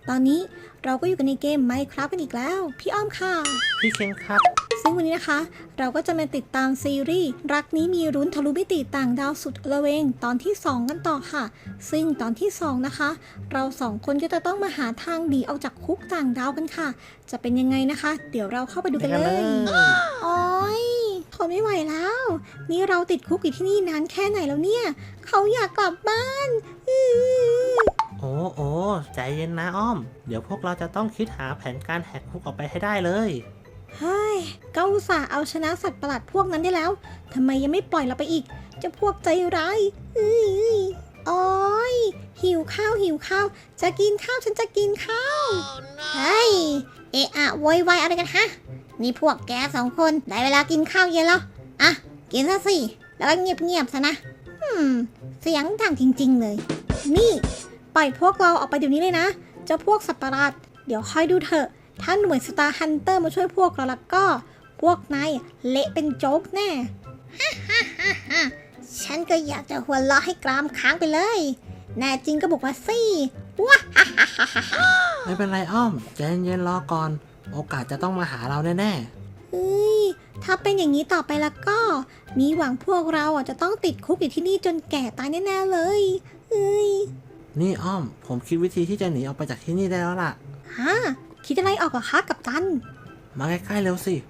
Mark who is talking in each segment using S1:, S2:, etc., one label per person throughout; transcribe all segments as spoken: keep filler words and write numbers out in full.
S1: ตอนนี้เราก็อยู่กันในเกม Minecraft กันอีกแล้วพี่อ้อมค่ะ
S2: พี่เคนครับ
S1: ซึ่งวันนี้นะคะเราก็จะมาติดตามซีรีส์รักนี้มีรุ้นทะลุมิติต่างดาวสุดระเวงตอนที่สองกันต่อค่ะซึ่งตอนที่สองนะคะเราสองคนก็จะต้องมาหาทางหนีออกจากคุกต่างดาวกันค่ะจะเป็นยังไงนะคะ เดี๋ยวเราเข้าไปดูกันเลยโอ๊ยทนไม่ไหวแล้วนี่เราติดคุกอยู่ที่นี่นานแค่ไหนแล้วเนี่ยเขาอยากกลับบ้าน
S2: โอ้โอ้ใจเย็นนะอ้อมเดี๋ยวพวกเราจะต้องคิดหาแผนการแหกคุกออกไปให้ได้เลย
S1: เฮ้ยก็อุตส่าห์เอาชนะสัตว์ประหลาดพวกนั้นได้แล้วทำไมยังไม่ปล่อยเราไปอีกเจะพวกใจร้ายอื้อโอ๊ยหิวข้าวหิวข้าวจะกินข้าวฉันจะกินข้าว oh, no. เฮ้ยเอะอะโวยวายอะไรกันฮะนี่พวกแกสองคนได้เวลากินข้าวเย็นแล้วอ่ะกินซะสิแล้วก็เงียบๆซะนะอืมเสียงดังจริงๆเลยนี่ปล่อยพวกเราออกไปเดี๋ยวนี้เลยนะเจ้าพวกสัตว์ประหลาดเดี๋ยวคอยดูเถอะถ้าหน่วยสตาร์ฮันเตอร์มาช่วยพวกเราแล้วก็พวกนายเละเป็นโจ๊กแน่ฮ่าฮ่าฮ่าฮ่าฉันก็อยากจะหัวเราะให้กรามค้างไปเลยแน่จริงก็บอกมาสิว้าฮ่าฮ่าฮ่าฮ่า
S2: ไม่เป็นไรอ้อมใจเย็นๆรอก่อนโอกาสจะต้องมาหาเราแน่
S1: ๆเฮ้ยถ้าเป็นอย่างนี้ต่อไปแล้วก็มีหวังพวกเราอ่ะจะต้องติดคุกอยู่ที่นี่จนแก่ตายแน่ๆเลยเฮ้ย
S2: นี่อ้อมผมคิดวิธีที่จะหนีออกไปจากที่นี่ได้แล้วล่ะ
S1: ฮะคิดอะไรออกเหรอคะกัปตัน
S2: มาใกล้ๆเร็วสิ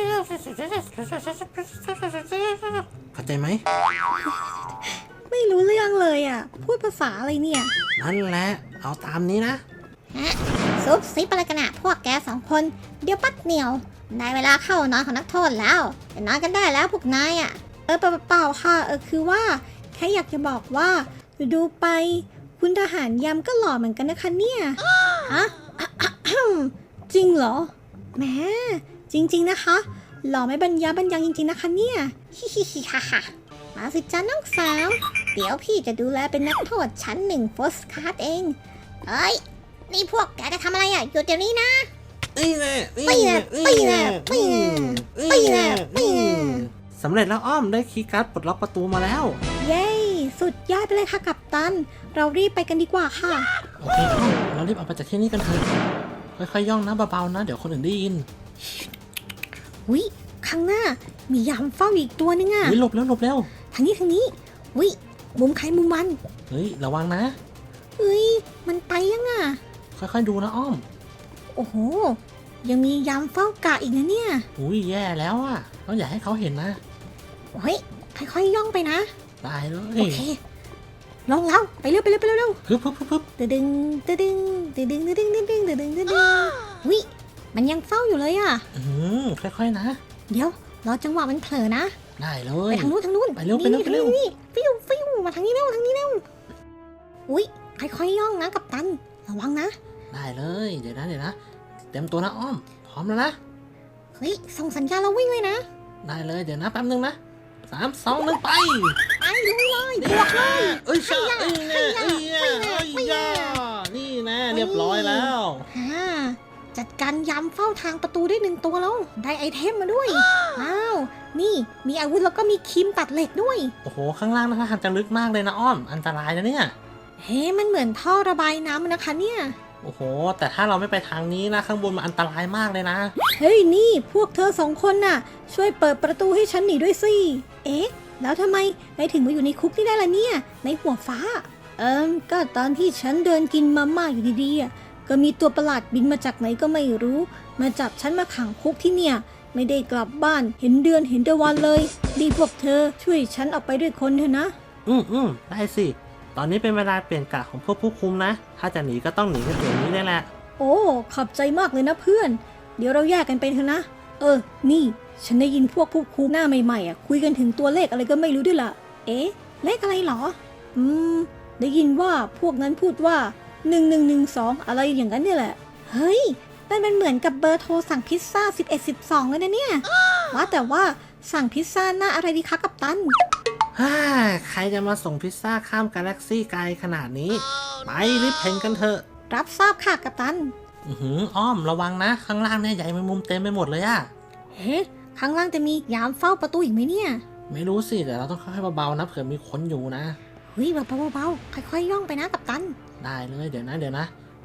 S2: เข้าใจไหม
S1: ไม่รู้เรื่องเลยอ่ะพูดภาษาอะไรเนี่ย
S2: นั่นแหละเอาตามนี้นะ
S1: ฮะซุบซิบอะไรกันอะพวกแกสองคนเดี๋ยวปัดเหนียวได้เวลาเข้านอนของนักโทษแล้วจะนอนกันได้แล้วพวกนายอ่ะเออเปล่าๆค่ะเออคือว่าแค่อยากจะบอกว่าดูไปคุณทหารยามก็หล่อเหมือนกันนะคะเนี่ยฮะจริงเหรอแหมจริงๆนะคะหล่อไม่บรรยาบรรยังจริงๆนะคะเนี่ยฮิฮิฮิฮ่าฮ่ามาสิจ้าน้องสาวเดี๋ยวพี่จะดูแลเป็นนักโทษชั้นหนึ่งโฟสคาร์ดเองเฮ้ยนี่พวกแกจะทำอะไรอ่ะหยุดเดี๋ยวนี้นะ
S2: ตีแน่
S1: ตีแน่ตีแน่ตีแน่ตีแน่ตีแน่
S2: สำเร็จแล้วอ้อมได้คีย์การ์ดปลดล็อกประตูมาแล้ว
S1: เย้สุดยอดไปเลยค่ะกัปตันเรารีบไปกันดีกว่าค่ะ
S2: โอเคอ้อมเรารีบออกไปจากที่นี่กันเถอะค่อยๆย่องนะเบาๆนะเดี๋ยวคนอื่นได้ยิน
S1: วิข้างหน้ามียามเฝ้าอีกตัวนึงอ่ะ
S2: วิหลบแล้วหลบแล้ว
S1: ทางนี้ทางนี้วิมุมใครมุมมัน
S2: เฮ้ยระวังนะ
S1: เฮ้ยมันไปยังอ่ะ
S2: ค่อยๆดูนะอ้อม
S1: โอ้โหยังมียามเฝ้ากะอีกนะเนี่ย
S2: อุ้ยแย่แล้วอ่ะต้องอย่าให้เขาเห็นนะ
S1: เฮ้ยค่อยๆย่องไปนะ
S2: ได้เลย
S1: โอเคลงแล้วไปเร็วไปเร็วไปเร็ว
S2: ฮึบฮึบฮึบฮึบ
S1: ดึงดึงดึงดึงดึงดึงดึงดึงดึงดึงดึงดึงวิมันยังเฝ้าอยู่เลยอ่ะ
S2: อืมค่อยๆนะ
S1: เดี๋ยวรอจังหวะมันเผลอนะ
S2: ได้เลย
S1: ไปทางนู้นทางนู้น
S2: ไปเร็วไปเร็วไปเร็ว
S1: นี่ฟิวฟิวมาทางนี้เร็วทางนี้เร็วอุ้ยค่อยๆย่องนะกัปตันระวังนะ
S2: ได้เลยเดี๋ยวนะเดี๋ยวนะเตรียมตัวนะอ้อมพร้อมแล้วนะ
S1: เฮ้ยส่งสัญญาณเราวิ่งเลยนะ
S2: ได้เลยเดี๋ยวนะแป๊บนึงนะสามสองหนึ่งไป
S1: ไปลุยเลยบวกเลย
S2: เอ้ยช่าเอ้ยแน่เอ้ยแน่เอ้ยย่านี่แน่เรียบร้อยแล้ว
S1: ฮ่าจัดการยามเฝ้าทางประตูได้หนึ่งตัวแล้วได้ไอเทมมาด้วยว้าวนี่มีอาวุธแล้วก็มีครีมตัดเหล็กด้วย
S2: โอ้โหข้างล่างนะคะทางจะลึกมากเลยนะอ้อมอันตรายนะเนี่ย
S1: เฮ้มันเหมือนท่อระบายน้ำนะคะเนี่ย
S2: โอ้โหแต่ถ้าเราไม่ไปทางนี้นะข้างบนมันอันตรายมากเลยนะ
S1: เฮ้ยนี่พวกเธอสองคนน่ะช่วยเปิดประตูให้ฉันหนีด้วยสิเอ๊ะแล้วทำไมนายถึงมาอยู่ในคุกนี่ได้ล่ะเนี่ยในหัวฟ้าเอิมก็ตอนที่ฉันเดินกินมาม่าอยู่ดีๆอ่ะก็มีตัวประหลาดบินมาจากไหนก็ไม่รู้มาจับฉันมาขังคุกที่เนี่ยไม่ได้กลับบ้านเห็นเดือนเห็นตะวันเลยดีพวกเธอช่วยฉันออกไปด้วยคนเถอะนะ
S2: อืมอืมได้สิตอนนี้เป็นเวลาเปลี่ยนกะของพวกผู้คุมนะถ้าจะหนีก็ต้องหนีกันเดี๋ยวนี้ได้แหละ
S1: โอ้ขอบใจมากเลยนะเพื่อนเดี๋ยวเราแยกกันไปเถอะนะเออนี่ฉันได้ยินพวกผู้คุมหน้าใหม่ๆอ่ะคุยกันถึงตัวเลขอะไรก็ไม่รู้ด้วยล่ะเอ๊ะเลขอะไรหรออืมได้ยินว่าพวกนั้นพูดว่าหนึ่งหนึ่งหนึ่งสองอะไรอย่างนั้นเนี่ยแหละเฮ้ยนั่นมันเหมือนกับเบอร์โทรสั่งพิซซ่าสิบเอ็ด สิบสองเลยนะเนี่ยว่าแต่ว่าสั่งพิซซ่าหน้าอะไรดีคะกัปตัน
S2: ฮ่าใครจะมาส่งพิซซ่าข้ามกาแล็กซี่ไกลขนาดนี้ไปรีบเพ่นกันเถอะ
S1: รับทราบค่ะกัปตัน
S2: อือหืออ้อมระวังนะข้างล่างเนี่ยใหญ่เป็นมุมเต็มไปหมดเลยอะ
S1: เฮ้ข้างล่างจะมียามเฝ้าประตูอีกไหมเนี่ย
S2: ไม่รู้สิแต่เราต้องค่อยๆเบาๆนะเผื่อมีคนอยู่นะ
S1: เฮ้ยเบาๆเบาๆค่อยๆย่องไปนะกัปตัน
S2: ได้เลยเดี๋ยวนะเดี๋ยวนะ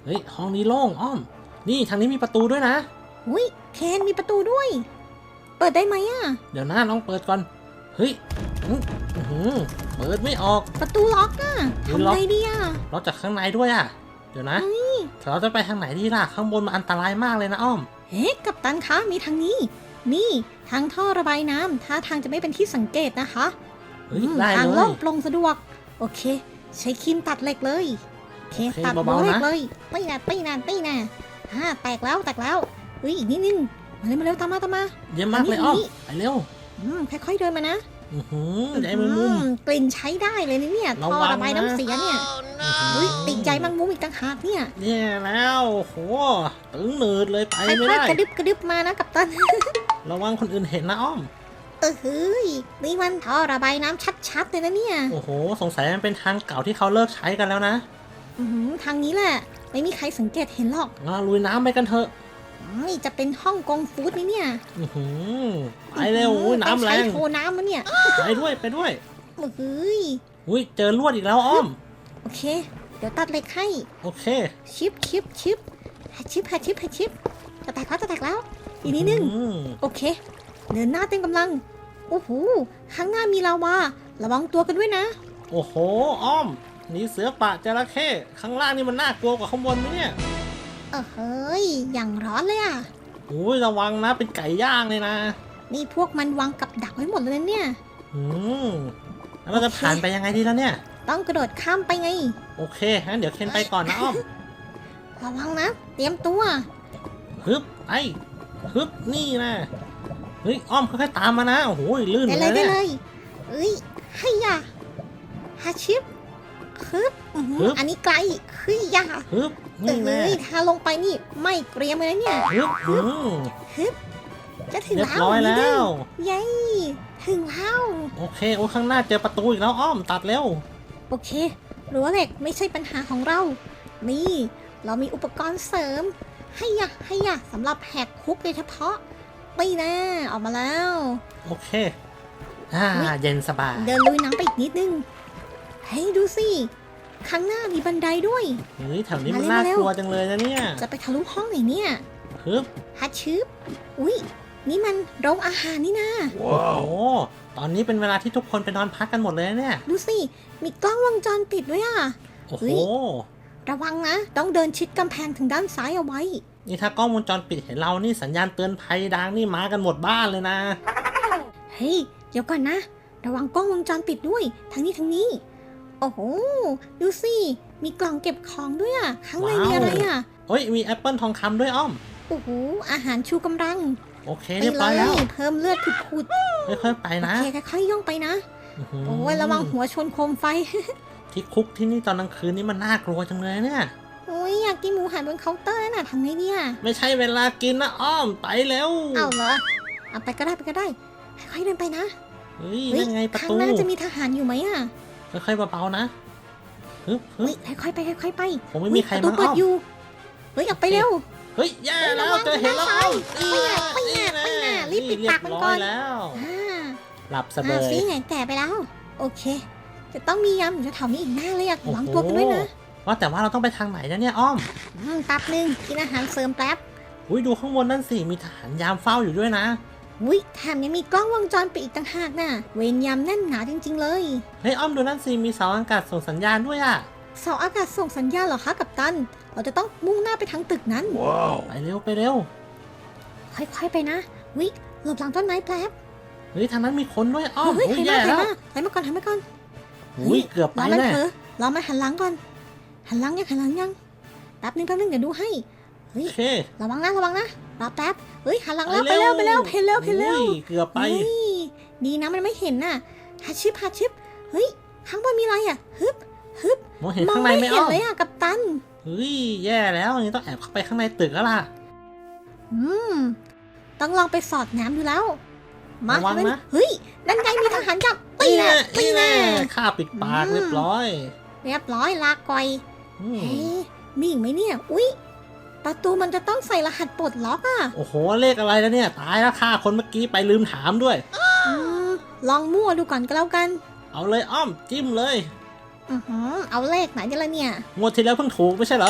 S2: เฮ้ยห้องนี้โล่งอ้อมนี่ทางนี้มีประตูด้วยนะ
S1: อุ้ยเคนมีประตูด้วย เปิดได้ไหมอ่ะ
S2: เดี๋ยวนะลองเปิดก่อนเฮ้ยอื้อหือเปิดไม่ออก
S1: ประตูล็อกอ่ะ
S2: หรือ
S1: ทำ
S2: ล็อก
S1: ไงดีอ่ะ
S2: ล็อกจากข้างในด้วยอ่ะเดี๋ยวนะเราจะไปทางไหนดีล่ะข้างบนมันอันตรายมากเลยนะอ้อม
S1: เฮ้กัปตันคะมีทางนี้ นี่ทางท่อระบายน้ำท่าทางจะไม่เป็นที่สังเกตนะคะ
S2: เฮ้ย
S1: อืม
S2: ได้
S1: ทาง
S2: เล
S1: โล่
S2: ย
S1: งโปร่งสะดวก โอเค ใช้ครีมตัดเหล็กเลยโอเค
S2: โอเค
S1: ตัด
S2: เบาๆ
S1: เหล็ก
S2: นะ
S1: เลยตีน่ะตีน่ะตีน่ะฮ่าแตกแล้วแตกแล้วอุ้ยอีกนิดนึงมาเร็วมาเร็วตามมาตามมา
S2: เยี่ยมมากเลยอ้อมไปเร็ว
S1: อืมค่อยๆเดินมานะ
S2: อือหือใจมันมุม
S1: อืกลิ่นใช้ได้เลยนะเนี่ย
S2: ระ
S1: ท่อ
S2: วัง
S1: ระบาย
S2: นะ
S1: น้ำเสียเนี่ย
S2: อื้อหือ
S1: อุ้ยติดใจแมังมุมอีกต่างหากเนี่ย
S2: แย่แล้วโอ้โหตึงหนืดเลยไป
S1: ค่
S2: ไม่
S1: อย
S2: ได้
S1: ๆกระดึบกระดึบมานะกัปตัน
S2: ระวังคนอื่นเห็นนะอ้อม
S1: เออเฮ้ยนี่มันท่อระบายน้ำชัดๆเลยนะเนี่ย
S2: โอ้โหสงสัยมันเป็นทางเก่าที่เขาเลิกใช้กันแล้วนะ
S1: อื้อหือทางนี้แหละ ไม่มีใครสังเกตเห็นหรอก
S2: งั้นเราลุยน้ำไปกันเถอะ
S1: นี่จะเป็นห้องกงฟู้ดนี่เนี่ย
S2: อือหือไปเร็วอุ้ยน้ำแร
S1: ไป
S2: ง
S1: ใช้โทน้ำมันเนี่ย
S2: ไปด้วยไปด้วย
S1: เฮ้ย
S2: อุ้ยเจอลวดอีกแล้วอ้อม
S1: โอเค เดี๋ยวตัดเหล็กให้
S2: โอเค
S1: ชิปชิปชิปหาชิปหาชิปหาชิปจะแตกแล้วจะแตกแล้ว อีกนิดนึง
S2: อืม
S1: โอเค เดินหน้าเต็มกำลัง โอ้โห ข้างหน้ามีลาวา ระวังตัวกันด้วยนะ
S2: โอ้โหอ้อมนี่เสือป่าจระเข้ข้างล่างนี่มันน่ากลัวกว่าข้างบนไหมเนี่ย
S1: เออเฮ้ย อย่างร้อนเลยอ่ะ
S2: อุ้ยระวังนะเป็นไก่ย่างเลยนะ
S1: นี่พวกมันวางกับดักไว้หมดเลยนะเนี่ย
S2: อืมแล้วเราจะผ่านไปยังไงดีแล้วเนี่ย
S1: ต้องกระโดดข้ามไปไง
S2: โอเคงั้นเดี๋ยวเคนไปก่อนนะอ้อม
S1: ระวังนะ เตรียมตัว
S2: ฮึบไปฮึบนี่นะเฮ้ยอ้อมค่อยๆตามมานะโอ้โหลื่น
S1: ได้
S2: เล
S1: เลย
S2: ย
S1: ได้
S2: เนี่ย
S1: เลยเอ้ยให้ยาฮาชิปฮึบอื้อหือ
S2: ฮึบ
S1: อันนี้ไกลเฮ้ยยา
S2: ฮึบ
S1: เอ
S2: นี่แน่
S1: ้ยถ้าลงไปนี่ไม่เกรียมเลยนะเนี่ย
S2: ฮึบอืม
S1: ฮึบจะถึง
S2: เรียบ
S1: แล้ว
S2: ร้อย
S1: นิด
S2: แล้
S1: นึง
S2: ว
S1: เย้ถึงแล้ว
S2: โอเคโอ้ข้างหน้าเจอประตูอีกแล้วอ้อมตัดเร็ว
S1: โอเครั้วเหล็กไม่ใช่ปัญหาของเรา นี่ เรามีอุปกรณ์เสริม ให้ยะให้ยะสำหรับแหกคุกโดยเฉพาะไม่แน่ออกมาแล้ว
S2: โอเคอ่า
S1: อุ๊ย
S2: เย็นสบาย
S1: เดินลุยน้ำไปอีกนิดนึงเฮ้ยดูสิ ข้างหน้ามีบันไดด้วย
S2: เฮ้ยแถวนี้มัน
S1: มา
S2: น่า
S1: เร็ว
S2: กลัวจังเลยนะเนี่ย
S1: จะไปทะลุห้องไหนเนี่ย
S2: ฮึบ
S1: ฮัชชืบอุ๊ย นี่มันโรงอาหารนี่นะ
S2: โอ้โหตอนนี้เป็นเวลาที่ทุกคนไปนอนพักกันหมดเลยนะเนี่ย
S1: ดูสิ มีกล้องวงจรปิดด้วยอ่ะ
S2: โอ้
S1: เฮ้
S2: โห
S1: ย ระวังนะ ต้องเดินชิดกำแพงทางด้านซ้ายเอาไว้
S2: นี่ถ้ากล้องวงจรปิดเห็นเรานี่สัญญาณเตือนภัยดังนี่มากันหมดบ้านเลยนะ
S1: เฮ้ย เดี๋ยวก่อนนะ ระวังกล้องวงจรปิดด้วย ทางนี้ทางนี้ โอ้โห ดูสิ มีกล่องเก็บของด้วยอ่ะ ข้างใน
S2: ว้าว
S1: มีอะไรอ่ะ
S2: เฮ้ยมีแอปเปิลทองคำด้วยอ้อม
S1: โอ้โห อาหารชูกำลัง
S2: โอเค
S1: ไป
S2: เรียบ
S1: เล
S2: ร้อยแล้ว
S1: ย เพิ่มเลือดผุด
S2: ค่อยๆไป
S1: ๆ โอ
S2: นะ
S1: เคค่อยๆย่องไปนะ
S2: อื้อหื
S1: โอ้ยระวังหัวชนโคมไฟ
S2: ที่คุกที่นี่ตอนกลางคืนนี่มันน่ากลัวจังเลยเนี่ย
S1: โอ้ยอยากกินหมูหันบนเคาน์เตอร์น่ะทำไงเนี่ย
S2: ไม่ใช่เวลากินนะอ้อมไปเร็ว
S1: เอาเหรอ เอาไปก็ได้ไปก็ได้ ค่อยๆเดินไปนะ
S2: เฮ้ย
S1: เฮ้ย
S2: นั่นไงประ
S1: ข้าง
S2: ตู
S1: หน้าจะมีทหารอยู่ไหมอ่ะ
S2: ค่อยๆเบาๆนะฮึบฮึ
S1: เฮ้
S2: บ
S1: ยค่อยๆไปค่อยๆไป
S2: ผมไม่มีใคร
S1: ประตู
S2: มา
S1: เปิ
S2: อ้
S1: ด
S2: อม
S1: อยู่ เฮ้ยออกไปเร็ว
S2: เฮ้ยแย่แล้ว
S1: ระวัง
S2: เจอเห็นแล้ว
S1: นะ
S2: อ้อม
S1: ไปไหนไปไหนไปไหนรีบปิดปากมันก่อน
S2: เรียบร้อยแล้ว
S1: อ่า
S2: หลับสบา
S1: อ่าย ซีไงแต่ไปแล้ว โอเค จะต้องมียามอยู่แถวๆนี้อีกแน่เลยอยาก
S2: โอ้
S1: หวัง
S2: โห
S1: ตัวกันด้วยนะ
S2: ว่าแต่ว่าเราต้องไปทางไหนนะเนี่ยอ้อม
S1: อืมแป๊บนึงกินอาหารเสริมแป๊บ
S2: อุ้ยดูข้างบนนั่นสิมีทหารยามเฝ้าอยู่ด้วยนะ
S1: อุ้ยแถมยังมีกล้องวงจรปิดอีกต่างหากน่ะ เวรยามแน่นหนาจริง ๆ เลย
S2: เฮ้ยอ้อมดูนั่นสิมีเสาอากาศส่งสัญญาณด้วยอ่ะ
S1: เสาอากาศส่งสัญญาณเหรอคะกัปตัน เราจะต้องมุ่งหน้าไปทางตึกนั้น
S2: ไปเร็วไปเร็ว
S1: ค่อยๆไปนะ วิหลบหลังต้นไม้แป๊บ
S2: เฮ้ยทางนั้นมีคนด้วยอ้อม
S1: เฮ้ย
S2: อุ้ย
S1: ใคร
S2: แย่
S1: มาใคร
S2: แล้ว
S1: มาใครมาก่อนใครมาก่อน
S2: อุ้ยเกือบไป
S1: รอมัน
S2: แน่
S1: เถอะรอมันหันหลังก่อน หันหลังยังหันหลังยัง แป๊บนึงแป๊บนึงเดี๋ยวดูให้ เฮ้
S2: โอย เค
S1: ระวังนะระวังนะ รอแป๊บ เฮ้ยหันหลังแล้วไปเร็วไปเร็วเพลเร็วเพลเร็ว
S2: อุ้ยเกือบไป
S1: เฮ้ยดีนะมันไม่เห็นน่ะฮัชิปฮัชิปเฮ้ย ข้างบนมีอะไรอ่ะ ฮึบ ฮึบ
S2: มองเห็น
S1: มอง
S2: ข้างใน
S1: ไม่
S2: ไหม
S1: เห็น
S2: อ้อม
S1: เลยอ่ะกัปตัน
S2: เฮ้ยแย่แล้วอย่างนี้ต้องแอบเข้าไปข้างในตึกแล้วล่ะ
S1: อืม ต้องลองไปสอดแนมดูแล้ว มา
S2: ระวัง
S1: ทำไม
S2: นะ
S1: เฮ้ย นั่นไงมีทหารจับตีแน่ตี
S2: นี่
S1: แน่
S2: แน่ข้าปิดปาก
S1: อืม
S2: เรียบร้อย
S1: เรียบร้อยลาก่อย
S2: อืม
S1: เฮ้ยมีอีกไหมเนี่ย อุ๊ย ประตูมันจะต้องใส่รหัสปลดล็อกอ่ะ
S2: โอ้โหเลขอะไรแล้วเนี่ย ตายแล้วฆ่าคนเมื่อกี้ไปลืมถามด้วย
S1: อืม ลองมั่วดูก่อนก็แล้วกัน
S2: เอาเลยอ้อมจิ้มเลย
S1: อือหือเอาเลขไหนกันละเนี่ย
S2: งวดที่แล้วเพิ่งถูกไม่ใช่เหรอ
S1: ถ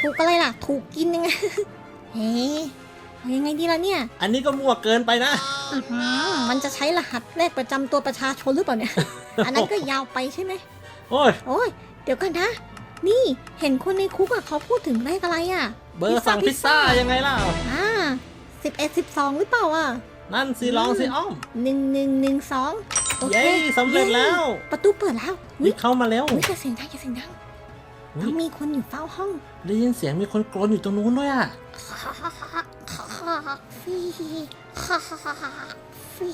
S1: ถูกอะไรล่ะ ถูกกินยังไง เฮ้เอายังไงดีล่ะเนี่ย
S2: อันนี้ก็มั่วเกินไปนะ
S1: อื้อหือมันจะใช้รหัสเลขประจำตัวประชาชนหรือเปล่าเนี่ย อันนั้นก็ยาวไปใช่ไหม
S2: โอ้ย
S1: โอ้ยเดี๋ยวกันนะ นี่เห็นคนในคุกอะเขาพูดถึงเลขอะไรอะ
S2: เบอร์สั่งพิซซ่ายังไงล่ะ
S1: อ่าสิบเอ็ดสิบสองหรือเปล่าอะ
S2: นั่นสิลองสิอ้อม
S1: หนึ่งหนึ่งหนึ่งสองโอเค
S2: เย้สำเร็จแล้ว
S1: ประตูเปิดแล้ว
S2: รีบเข้ามาแล้ว
S1: อุ๊ยจะเสียงดังจะเสียงดัง
S2: อุ๊ย
S1: ต้องมีคนอยู่เฝ้าห้อง
S2: ได้ยินเสียงมีคนกรนอยู่ตรงนู้นด้วยอ่ะ
S1: ฟีฟี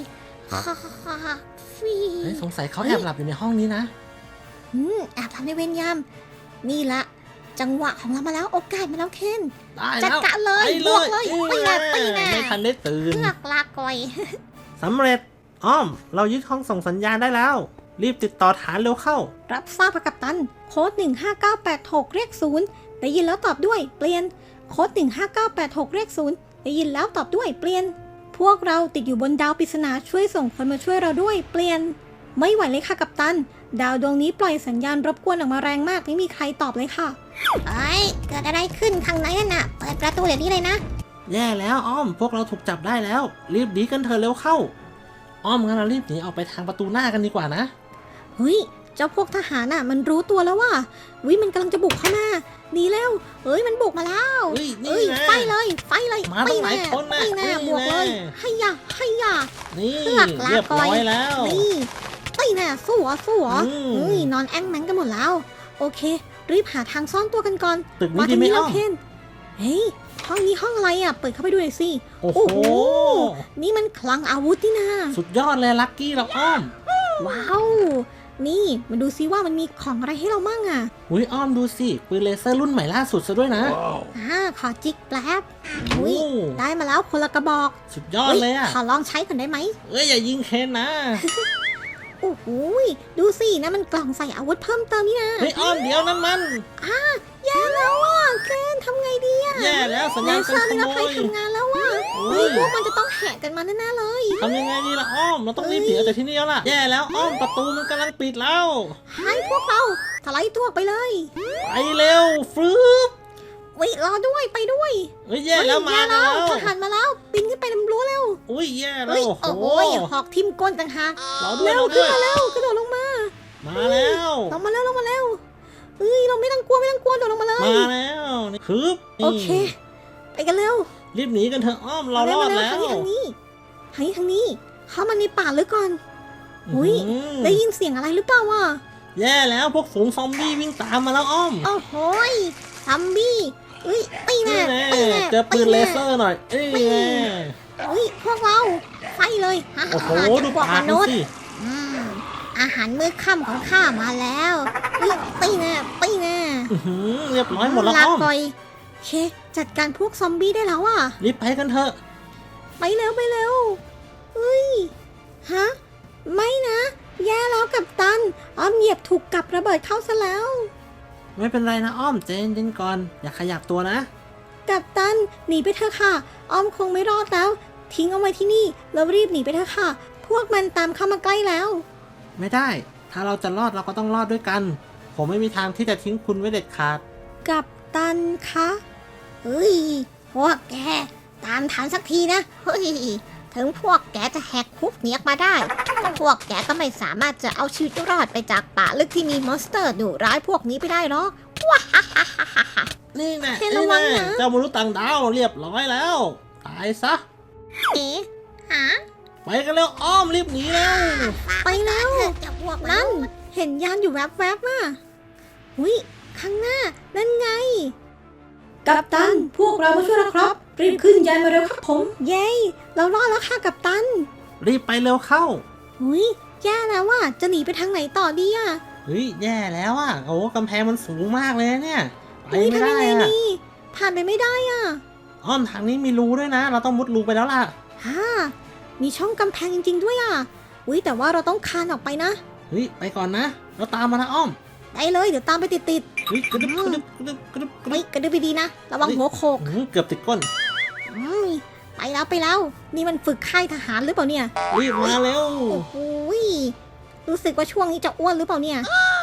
S1: ฟี
S2: เฮ้ยสงสัยเขาแอบหลับอยู่ในห้องนี้นะ
S1: อืมแอบทำในเวรยาม นี่ละ จังหวะของเรามาแล้วโอกาสมาแล้วเคน
S2: ได้
S1: จั
S2: แล้
S1: ด
S2: ว
S1: การเลย
S2: ไป
S1: บ
S2: เล
S1: วก
S2: ย
S1: เลยตีแน่ตีแน่
S2: ไม่ทันได้ตื่น
S1: เลือกลากอย
S2: สำเร็จ อ้อม เรายึดห้องส่งสัญญาณได้แล้ว รีบติดต่อฐานเร็วเข้า
S1: รับทราบกัปตัน โค้ดหนึ่งห้าเก้าแปดหกเรียกศูนย์ได้ยินแล้วตอบด้วยเปลี่ยน โค้ดหนึ่งห้าเก้าแปดหกเรียกศูนย์ได้ยินแล้วตอบด้วยเปลี่ยน พวกเราติดอยู่บนดาวปริศนาช่วยส่งคนมาช่วยเราด้วยเปลี่ยน ไม่ไหวเลยค่ะกัปตัน ดาวดวงนี้ปล่อยสัญญาณรบกวนออกมาแรงมากไม่มีใครตอบเลยค่ะไอ้เกิดอะไรขึ้นข้างในนั่นน่ะเปิดประตูเดี๋ยวนี้เลยนะ
S2: แย่แล้วอ้อม พวกเราถูกจับได้แล้ว รีบหนีกันเถอะเร็วเข้า อ้อมงั้นเรารีบหนีออกไปทางประตูหน้ากันดีกว่านะ
S1: เฮ้ย เจ้าพวกทหารน่ะ มันรู้ตัวแล้วว่าวิมันกำลังจะบุกเข้ามาหนีเร็วเอ้ยมันบุกมาแล้ว
S2: เฮ้ยนี่
S1: เอ้ย
S2: ไง
S1: ไฟเลยไฟเลย
S2: มาตั้งหลายคนน่ะ
S1: ไปแน่
S2: นี่
S1: บวกเลย
S2: แน่
S1: ให้ยาให้ยา
S2: นี่
S1: เลือกลา
S2: เรียบร้อยแล้ว
S1: นี่ไปแน่สู้เหรอสู้เหรอ
S2: อืม
S1: เฮ้ยนอนแอ้งแมงกันหมดแล้ว โอเค รีบหาทางซ่อนตัวกันก่อน
S2: ตึก
S1: มา
S2: นี้ดี
S1: ทาง
S2: ไหม
S1: นี้แล้
S2: อ้
S1: ว
S2: อม
S1: เคนเฮ้ยห้องนี้ห้องอะไรอ่ะเปิดเข้าไปดูหน่อยสิ
S2: โอ้โห
S1: โอ้โห นี่มันคลังอาวุธนี่นะ
S2: สุดยอดเลยลักกี้เราอ้อม
S1: ว้าว นี่มาดูซิว่ามันมีของอะไรให้เรามั่งอ่ะ
S2: อุ้ยอ้อมดูสิปืนเลเซอร์รุ่นใหม่ล่าสุดซะด้วยนะ
S1: อ่าขอจิกแป๊บ
S2: โอ้
S1: อุ้ยได้มาแล้วคนละกระบอก
S2: สุดยอดเลยอ่ะ
S1: ขอลองใช้ก่อนได้ไหม
S2: เอ้ยอย่ายิงเคนนะ
S1: โอ้โหดูสินะมันกล่องใส่อาวุธเพิ่มเติมนี่นะ
S2: เฮ้ยอ้อมเดี๋ยวนั้นมัน
S1: แย่แล้วอ่ะเคนทำไงดีอ่ะ
S2: แย่แล้วสัญ
S1: เล
S2: ญาณ
S1: เซ
S2: การ
S1: อร์
S2: ข
S1: นี่
S2: โม
S1: นะใคร
S2: ย
S1: ทำงานแล้วอ่ะ
S2: โอ้
S1: เฮ้
S2: ย
S1: ยพวกมันจะต้องแหกกันมาแน่ๆเลย
S2: ทำยังไงดีล่ะอ้อม เราต้องรีบหนีออกจากที่นี่แล้วล่ะ แย่แล้วอ้อมประตูมันกำลังปิดแล้ว
S1: ให้พวกเราถลายตัวไปเลย
S2: ไปเร็วฟรึบ
S1: วิรอด้วยไปด้วย
S2: เฮ้ยแย่แล้วมา
S1: เฮ้ย
S2: แล้ว
S1: ทหารมาแล้วปีนขึ้นไปลำรั้วเร็ว
S2: อุ้ยแย่แล้
S1: เฮ้
S2: วย โอ้โห
S1: โอ้ยหอกทิ่มก้นต่างหาก
S2: เราด้วย
S1: เร็ว
S2: เรา
S1: ขึ้
S2: ด้
S1: น
S2: วย
S1: มาเร็วกระโดดลงมา
S2: มาแล้ว
S1: ลงมาเร็วลงมาเร็วเอ้ยเราไม่ต้องกลัวไม่ต้องกลัวโดดลงมาเลย
S2: มาแล้วนี่ฮึบนี่
S1: โอเค ไปกันเร็ว
S2: รีบหนีกันเถอะอ้อมเรารอดแล้ว
S1: ทางนี้ทางนี้ทางนี้ทางนี้เข้ามาในป่าลึกก่อน อุ๊ย
S2: อื้อหือ
S1: ได้ยินเสียงอะไรหรือเปล่าวะ
S2: แย่แล้วพวกฝูงซอมบี้วิ่งตามมาแล้วอ้อม
S1: โอ้โหยซัมบี้เอ้ยตีแน่
S2: นี่แน่
S1: ตีแน่
S2: เจอปืนเลเซอร์หน่อยเอ้ย
S1: ตี
S2: แน่
S1: เอ้ยพวกเราไฟเลยฮ่า
S2: โอ้โห
S1: ฮ่า
S2: ดู
S1: พวก
S2: ปาม กดู
S1: นุษย์
S2: สิ
S1: อืมอาหารมื้อค่ำของข้ามาแล้วเอ้ยตีแน่ตีแน่
S2: อื้อหือเรียบร้อยหมดแล้ว
S1: ลา
S2: อ้อม
S1: ก่อยโอเค จัดการพวกซอมบี้ได้แล้วอ่ะ
S2: รีบไปกันเถอะ
S1: ไปเร็วไปเร็วเฮ้ย ฮะ ไม่นะ แย่แล้วกับตัน อ้อมเหยียบถูกกับระเบิดเข้าซะแล้ว
S2: ไม่เป็นไรนะอ้อมเจนเจนก่อน อย่าขยับตัวนะ
S1: กับตัน หนีไปเถอะค่ะ อ้อมคงไม่รอดแล้ว ทิ้งเอาไว้ที่นี่ แล้วรีบหนีไปเถอะค่ะ พวกมันตามเข้ามาใกล้แล้ว
S2: ไม่ได้ ถ้าเราจะรอดเราก็ต้องรอดด้วยกัน ผมไม่มีทางที่จะทิ้งคุณไว้เด็ดขาด
S1: กับตันคะเฮ้ย พวกแก ตามทันสักทีนะ เฮ้ย ถึงพวกแกจะแหกคุกหนีออกมาได้ พวกแกก็ไม่สามารถจะเอาชีวิตรอดไปจากป่าลึกที่มีมอนสเตอร์ดุร้ายพวกนี้ไปได้หรอก
S2: นี่แน่
S1: เคน
S2: นี่
S1: ระวัง
S2: แน่
S1: นะ
S2: เจ้ามนุษย์ต่างดาวเรียบร้อยแล้ว ตายซะ
S1: เอ๋หา
S2: ไปกันแล้วอ้อมรีบหนีแล้ว
S1: ไปแล้วนั่น เห็นยานอยู่แวบๆน่ะอุ้ยข้างหน้า นั่นไง กัปตัน พวกเรามาช่วยแล้วครับ รีบขึ้นยานมาเร็วครับผม เย้ เรารอดแล้วค่ะกัปตัน
S2: รีบไปเร็วเข้า
S1: อุ้ยแย่แล้วว่ะ จะหนีไปทางไหนต่อดีอ่ะ
S2: เฮ้ยแย่แล้วอ่ะโอ้กำแพงมันสูงมากเลยนะเนี่ยไป
S1: อุ้ย
S2: ไม่
S1: ทำ
S2: ได้
S1: ยังไง
S2: อ่ะ
S1: ดีผ่านไปไม่ได้อ่ะ
S2: อ้อมทางนี้มีรูด้วยนะ เราต้องมุดรูไปแล้วล่ะ
S1: ฮ่ามีช่องกำแพงจริงๆด้วยอ่ะ อุ้ยแต่ว่าเราต้องคานออกไปนะ
S2: เฮ้ยไปก่อนนะ เราตามมานะอ้อม
S1: ได้เลย เดี๋ยวตามไปติด
S2: เฮ้ยกระดึบกระดึบกระดึบกระดึบก
S1: ๆ
S2: ระดึ
S1: เฮ้ย
S2: บ
S1: กระดึบไปดีนะ ระวังหัวโขก
S2: อื้อเกือบติดก้น
S1: อืมไปแล้วไปแล้ว นี่มันฝึกค่ายทหารหรือเปล่าเนี่ย
S2: รีบมาเร็ว
S1: โอ้โหยรู้สึกว่าช่วงนี้จะอ้วนหรือเปล่าเนี่ย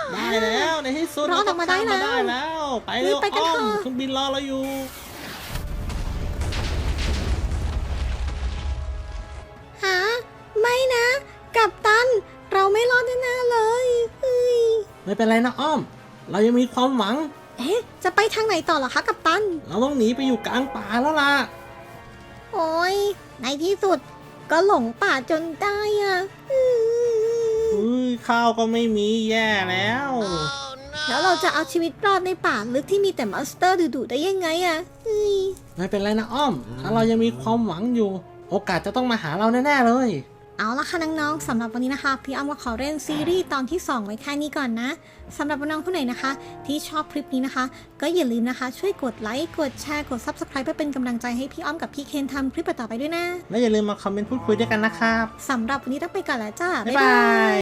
S2: ได้แล้วในที่สุด
S1: รอดออกมาได้แล้ว
S2: เรก็ข้มแล้ว ไปเร็ว
S1: รีบไปกัน
S2: อ้อม
S1: เถอะ
S2: เครื่องบินรอเราอยู่
S1: หาไม่นะ กัปตัน เราไม่รอดแน่ๆเลยเฮ้ย
S2: ไม่เป็นไรนะอ้อม เรายังมีความหวัง
S1: เอ๊ะ จะไปทางไหนต่อเหรอคะกัปตัน
S2: เราต้องหนีไปอยู่กลางป่าแล้วล่ะ
S1: โอ้ยในที่สุดก็หลงป่าจนได้อ่ะอื้อ
S2: อุ้ยข้าวก็ไม่มีแย่แล้ว
S1: แล้วเราจะเอาชีวิตรอดในป่าลึกที่มีแต่มอนสเตอร์ดุๆได้ยังไงอ่ะเฮ้ย
S2: ไม่เป็นไรนะอ้อม ถ้าเรายังมีความหวังอยู่ โอกาสจะต้องมาหาเราแน่ๆเลย
S1: เอาละค่ะน้องๆสำหรับวันนี้นะคะพี่อ้อมก็ขอเล่นซีรีส์ตอนที่สองไว้แค่นี้ก่อนนะสำหรับน้องๆคนไหนนะคะ ที่ชอบคลิปนี้นะคะ ก็อย่าลืมนะคะ ช่วยกดไลค์กดแชร์กด ซับสไครบ์ เพื่อเป็นกำลังใจให้พี่อ้อมกับพี่เคนทำคลิปต่อไปด้วยนะ
S2: และอย่าลืมมาคอมเมนต์พูดคุยด้วยกันนะครับ
S1: สำหรับวันนี้ต้องไปก่อนแล้วจ้า
S2: บ๊ายบาย